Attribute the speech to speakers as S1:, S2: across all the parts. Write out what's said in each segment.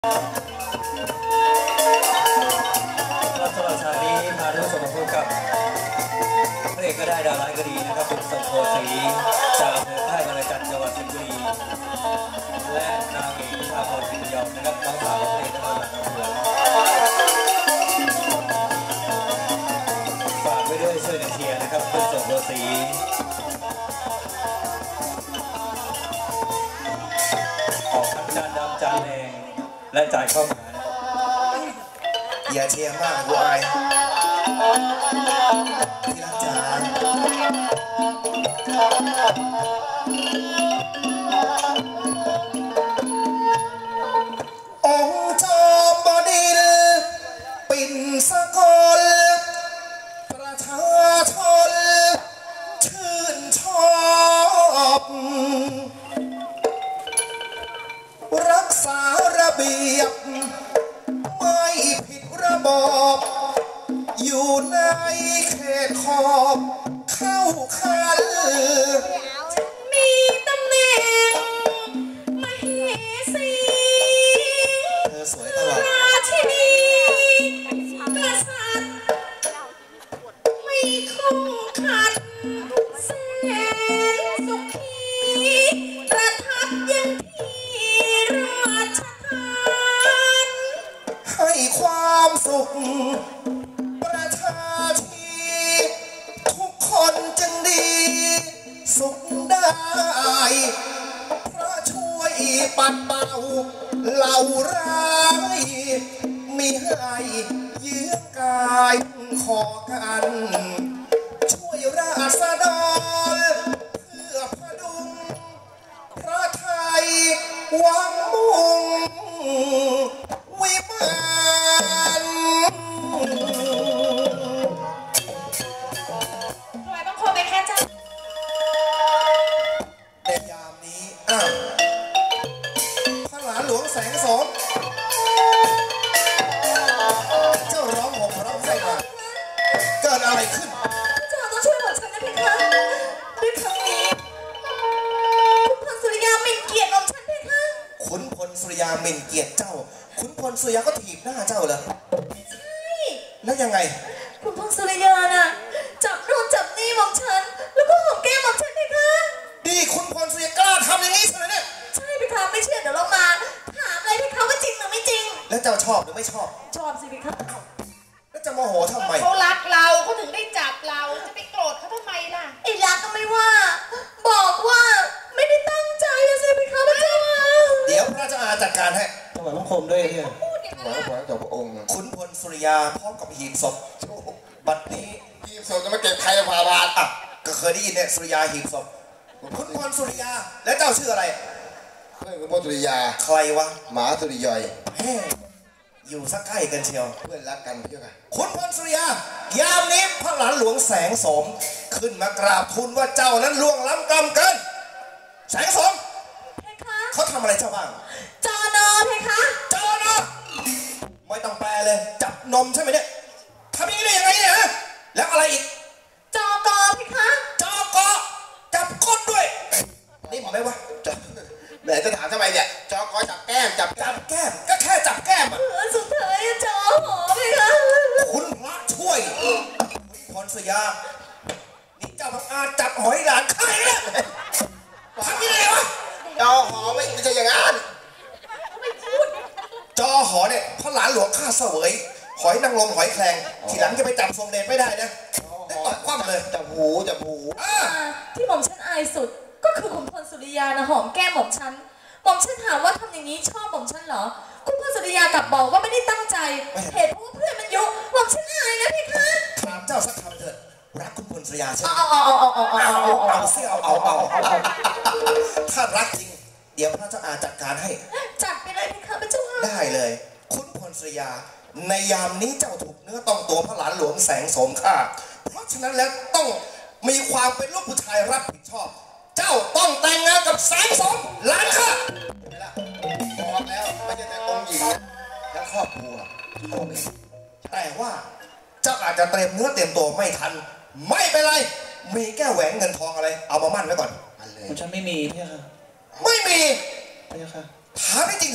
S1: สำหรับฉากนี้พาท่านผู้ชมมาพบกับพระเอกก็ได้ดาวร้ายก็ดีนะครับคุณสมโพธิ์ศรีจากอำเภอค่ายบางระจันจังหวัดสิงห์บุรีและนางเอกพิชาพรสิงห์ยอมนะครับน้องสาวของพระเอกทั้งหมดทั้งมวลฝากไว้ด้วยช่วยกันเชียร์นะครับคุณสมโพธิ์ศรีออกทั้งจานดำจานแดงและจ่ายเข้ามา
S2: อย่าเชียร์มากกูอายที่รักจ๋าองค์จอมบดินปิ่นสกลประชาชนชื่นชอบรักษาระเบียบไม่ผิดระบอบอยู่ในเขตขอบเข้าคัน
S3: มีตำแหน่งมเหสี
S2: เธอสวยตลอด
S3: ราชินีกษัตริย์ไม่คงขัดแสนสุขีประทับยังที่ราชทาน
S2: ให้ความสุขประชาชีทุกคนจึงดีสุขได้เพราะช่วยปัดเป่าเหล่าร้ายมิให้เยื้อกายขอกันช่วยราษฎรเพื่อพดุงพระไทยหวังมุ่งวิมาน
S3: ถวายบังคมไปแค่จ้า
S2: ในยามนี้พระหลานหลวงแสงสมเจ้าร้องห่มร้องไห้มาเกิดอะไรขึ้น
S3: เจ้าต้องช่วยหม่อมฉันนะเพคะด้วยครั้งนี้คุณพลสุริยาหมิ่นเกียรติหม่อมฉันเพคะ
S2: ขุนพลสุริยาหมิ่นเกียรติเจ้าขุนพลสุริยาก็ถีบหน้าเจ้าเหรอ
S3: ใช่
S2: แล้วยังไง
S3: คุณพลสุริยาน่ะจับโน่นจับนี่หม่อมฉันแล้วก็หอมแก้มหม่อมฉันเพคะ
S2: ดีขุนพลสุริยากล้าทำอย่างนี้ใช่ไหมเนี่ย
S3: ใช่เพคะไม่เชื่อเดี๋ยวเรามาถามเลยเพคะว่าจริงหรือไม่จริง
S2: แล้วเจ้าชอบหรือไม่ชอบ
S3: ชอบสิเพคะ
S2: แล้วจะโมโหทำไม
S4: เขารักเราเขาถึงได้จับเราจะไปโกรธเขาทำไมล่ะ
S3: ไอ้รักก็ไม่ว่าบอกว่าไม่ได้ตั้งใจอะสิเพคะพระเจ้า
S2: เดี๋ยวพระเจ้าอาจัดการให้
S1: ถวายบังคมด้วยเนี่ย
S2: ถวายบังคมต่อพระองค์ขุนพลสุริยาพร้อมกับหีบศพบัดนี้หีบศพจะมาเก็บใครพาบาทอ่ะก็เคยได้ยินเนี่ยสุริยาหีบศพขุนพลสุริยาแล้วเจ้าชื่ออะไร
S5: เพื่อนขุนพลสุริยา
S2: ใครวะ
S5: หมาสุริยอย
S2: อยู่สักใกล้กันเชียว
S5: เพื่อนรักกันเพื่อนกัน
S2: ขุนพลสุริยายามนี้พระหลานหลวงแสงสมขึ้นมากราบทูลว่าเจ้านั้นล่วงล้ำกรรมเกินแสงสมเขาทำอะไรเจ้าบ้าง
S3: จอนอเพคะ
S2: จอนอไม่ต้องแปลเลยจับนมใช่ไหมเนี่ยทำอย่างนี้ได้ยังไงเนี่ยฮะแล้วอะไรอีก
S3: จอกอเพคะ
S2: จอกอจับก้นด้วยนี่หมอไหมวะ
S5: ไหนจะถามทำไมเนี่ยจอกอจับแก้มจับ
S2: แก้มก็แค่จับแก้มอ่ะ
S3: สุดท้ายจอหอเพคะ
S2: คุณพระช่วยคุณพรสยานี่เจ้าพังอาจับหอยหลานใครเนี่ยทำยังไงวะ
S5: จอหอไม่ใช่อย่างนั้น
S2: จอหอเนี่ยพระหลานหลวงข้าเสวยหอยนางรมหอยแครงทีหลังจะไปจับทรงเดชไม่ได้นะได้ตบคว่ำเลย
S5: จับหู
S3: ที่หม่อมฉันอายสุดก็คือคุณพลสุริยานะหอมแก้มหม่อมฉันถามว่าทำอย่างนี้ชอบหม่อมฉันเหรอคุณพลสุริยากลับบอกว่าไม่ได้ตั้งใจเหตุเพราะว่าเพื่อนมันยุหม่อมฉันอายนะพี่คะ
S2: ถามเจ้าสักคำเถิดรักคุณพลสุริยาใช่ไหม
S3: เอา
S2: เสียถ้ารักจริงเดี๋ยวพระเจ้าอาจัดการให้
S3: จัดไปเลยพี่คะพระเจ้า
S2: ได้เลยคุณพลสุริยาในยามนี้เจ้าถูกเนื้อต้องตัวพระหลานหลวงแสงสมข้าเพราะฉะนั้นแล้วต้องมีความเป็นลูกผู้ชายรับผิดชอบเจ้าต้องแต่งงานกับแสงสมหลานข้า
S5: บอกแล้วไม่ใช่แต่องค์หญิงและครอบครัว
S2: แต่ว่าเจ้าอาจจะเตรียมเนื้อเตรียมตัวไม่ทันไม่เป็นไรมีแก้วแหวนเงินทองอะไรเอามามั่นไว้ก่อน
S1: ฉันไม่มีพี่ค่ะ
S2: ไม่มี
S1: พี่ค่ะ
S2: ถามจริงเถอะ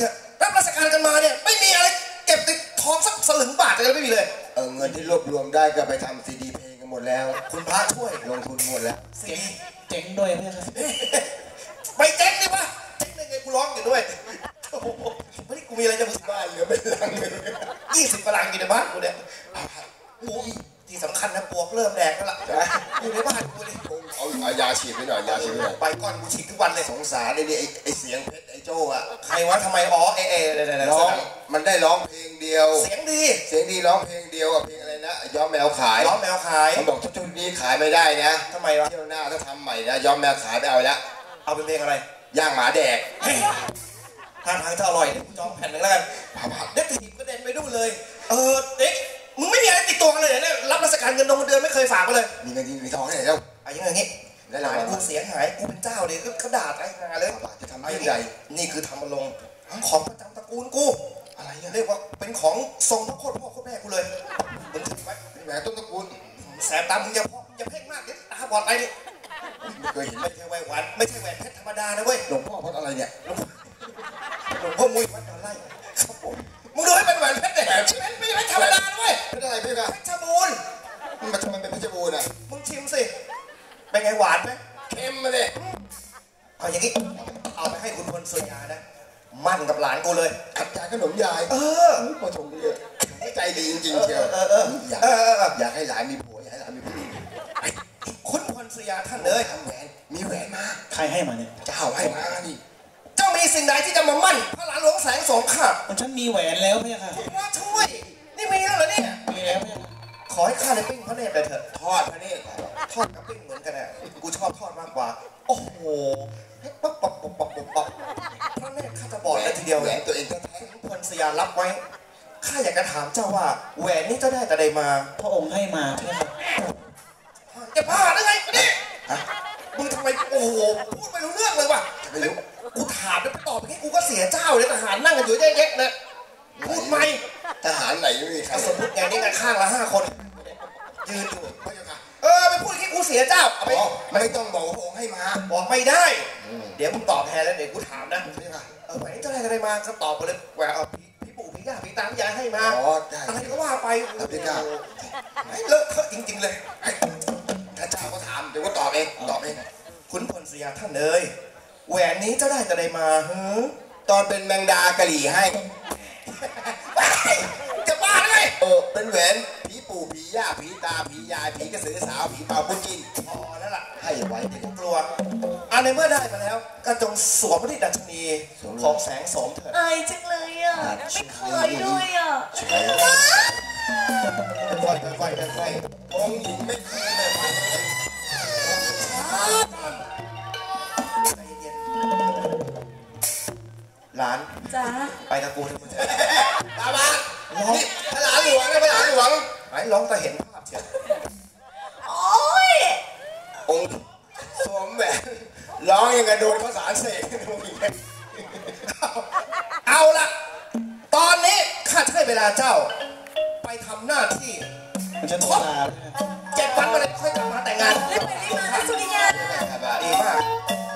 S2: รับราชการกันมาเนี่ยไม่มีอะไรเก็บติดทองสักสลึงบาทอะไรไม่มีเลย
S5: เงินที่รวบรวมได้ก็ไปทำซีดีเพลงกันหมดแล้ว
S2: คุณพระช่วย
S5: ลงทุนหมดแล้ว
S2: ซีดี
S1: เจ๋งด้วยพี่ครับ
S2: ไปเจ๊งดิวะเจ๊งได้ไงกูร้องอยู่ด้วยโอ้โหไม่ได้กูมีอะไรจะมึง
S5: บ้านเหลือเป็นลังเลย
S2: 20กว่าลังอยู่ในบ้านกูเนี่ยโอ้ยที่สำคัญนะปวกเริ่มแดกแล้วล่ะอยู่ในบ้านกูเลย
S5: เอายาฉีดไปหน่อยยาฉีดไปหน่อย
S2: ไปก่อนกูฉีดทุกวันเลย
S5: สงสารเลยนี่ไอเสียงเพชรไอโจ้อะ
S2: ใครวะทำไมอ๋อ
S5: ร้องมันได้ร้องเพลงเดียว
S2: เสียงดี
S5: เสียงดีร้องเพลงเดียวกับเพลงอะไรนะย้อมแมวขาย
S2: ร้องแมวขาย
S5: มันบอกชุดนี้ขายไม่ได้นะ
S2: ทำไมวะ
S5: เที่ยวหน้าถ้าทำใหม่นะย้อมแมวขายไปเอาละ
S2: เอาเป็นเพลงอะไร
S5: ย่างหมาแดก
S2: ท่าทางจะอร่อยเดี๋ยวกูจองแผ่นหนึ่งแล้วกันเด็กถีบกระเด็นไปดูเลยเด็กมึงไม่มีอะไรติดตัวกันเลยเนี่ยรับราชการเงินเดือนไม่เคยฝากมาเลย
S5: มีเงินมีทองให้ไหนแล้ว
S2: เอาอย่างงี้หลานกูเสียหายกูเป็นเจ้าเลยก็ด่าไอ้งานเลย
S5: จะทำ
S2: เอาอย่าง
S5: ให
S2: งี้
S5: ญ่
S2: นี่คือทำมาลงของประจำตระกูลกู
S5: อะไรเนี่ย
S2: เรียกว่าเป็นของทรงพระโคตรพ่อโคตรแม่กูเลยมึงถือไว้
S5: แหวนต้นตระกูล
S2: แสบตามึงอย่าเพ่งมากเดี๋ยวตาบอดไปดิ
S5: ไม่เคยเห็น
S2: ไม่ใช่แหวนหวานไม่ใช่แหวนเพชรธรรมดานะเว้ย
S5: หลวงพ่อพดอะไรเนี่ย
S2: หลวงพ่อมุ้ยวัดดอนไร่ครับผมมึงดูให้เป็นแหวนเพชรเนี่ยไม่ใช่เพชรธรรมดานะเว้ย
S5: เพชรอะไรพี่กะ
S2: เพชรบูรณ์
S5: มันทำไมเป็นเพชรบูรณ์อ่ะ
S2: มึงชิมสิเป็นไงหวานไหม
S5: เค็มมาเลย
S2: เอาอย่างงี้เอาไปให้คุณพลสุยานะมั่นกับหลานกูเลย
S5: ขัดยายขนมยายพอชมเยอะใจดีจริงๆเชียวอยากให้หลานมีผัวอยากให้หลานมีผู้หญิง
S2: คุณพลสุยาท่านเลย
S5: ทำแหวนมีแหวนมา
S1: ใครให้มาเนี่ย
S5: เจ้าให้มานี่
S2: เจ้ามีสิ่งใดที่จะมามั่นพระหลานหลวงแสงสองข้า
S1: ฉันมีแหวนแล้วพี่ค่ะ
S2: พระช่วยนี่มีแล้วเหรอเนี่ย
S1: มีแล้วพี่ค่ะ
S2: ขอให้ข้าได้ปิ้งพระเนตรเลยเถอะ
S5: ทอดพระเนตร
S2: ทอดกับปิ้งเหมือนกันอ่ะกูชอบทอดมากกว่าโอ้โหป๊บพระเนตรข้าจะบอดเลยทีเดียว
S5: แหว
S2: เลย
S5: นตัวเองแท้
S2: คุณพลสุยารับไว้ข้าอยากจะถามเจ้าว่าแหวนนี้เจ้าได้แต่ใดมา
S1: พระองค์ให้มาพี่ค่ะ
S2: จะพาได้ไงเนี่ยมึงทำไมโอ้โหพูดไม่รู้เรื่องเลยว่ะ
S5: ๆไม่รู้
S2: กูถามแล้วไปตอบอย่างนี้กูก็เสียเจ้าเลยทหารนั่งกันอยู่แยกๆนะพูดไหม
S5: ทหารไหนไม่มีใคร
S2: สมมติไงนี่กันข้างละ5 คนยืนอยู่
S5: พระเจ้าค่ะ
S2: ไปพูดอย่างนี้กูเสียเจ้าเอาไป
S5: ไม่ต้องบอกว่าพระองค์ให้มา
S2: บอกไม่ได้ เดี๋ยวมึงตอบแทนแล้วเดี๋ยวกูถามนะ
S5: พระเจ้าค่ะ
S2: แหวนเจ้าได้อะไรมาก็ตอบไปเลยแหวนพี่ปู่พี่ย่าพี่ตาพี่ยายให้มา
S5: อ๋อได้
S2: อะไรก็ว่าไป
S5: ครับพี่ก้า
S2: ให้เลอะเทอะจริงๆเลย
S5: ถ้าเจ้าก็ถามเดี๋ยวก็ตอบเองตอบเอง
S2: คุณพลสุยาท่านเลยแหวนนี้เจ้าได้แต่ใดมา
S5: ตอนเป็นแมงดากะหรี่ให้
S2: จะบ้าเลย
S5: เป็นแหวนผีปู่ผีย่าผีตาผียายผีกระสือสาวผีเป่าปุ้จิน
S2: พอแล้วล่ะ
S5: ให้ไว้
S2: กูกลัวในเมื่อได้มาแล้วก็จงสวมพระดิดัชนีของแสงโสมเถิด
S3: อายจังเลยอ่ะ ไม่เคยด้วยอ่ะ
S2: ค่อยๆค่อยๆ
S5: องค์หญิงไม่เคยเลย
S2: ใจเย็นหลาน
S3: จ้า
S2: ไปกับกูเถอะมึง
S5: ตาบานนี่พระหลานหลวงนะพระหลานหลวง
S2: ไหนร้องแต่เห็นภาพเชียว
S3: โอ๊ย
S5: องค์สวมแหวนร้องยังไงโดนข้าวสารเสกองค์หญิง
S2: เอาละตอนนี้ข้าจะให้เวลาเจ้า ไปทำหน้าที่
S1: มันจะต้องลาพี่ค่ะ
S2: 7 วันมาเลยค่อยกลับมาแต่งงาน
S3: รีบไปรีบมานะสุริยา
S2: ดีมาก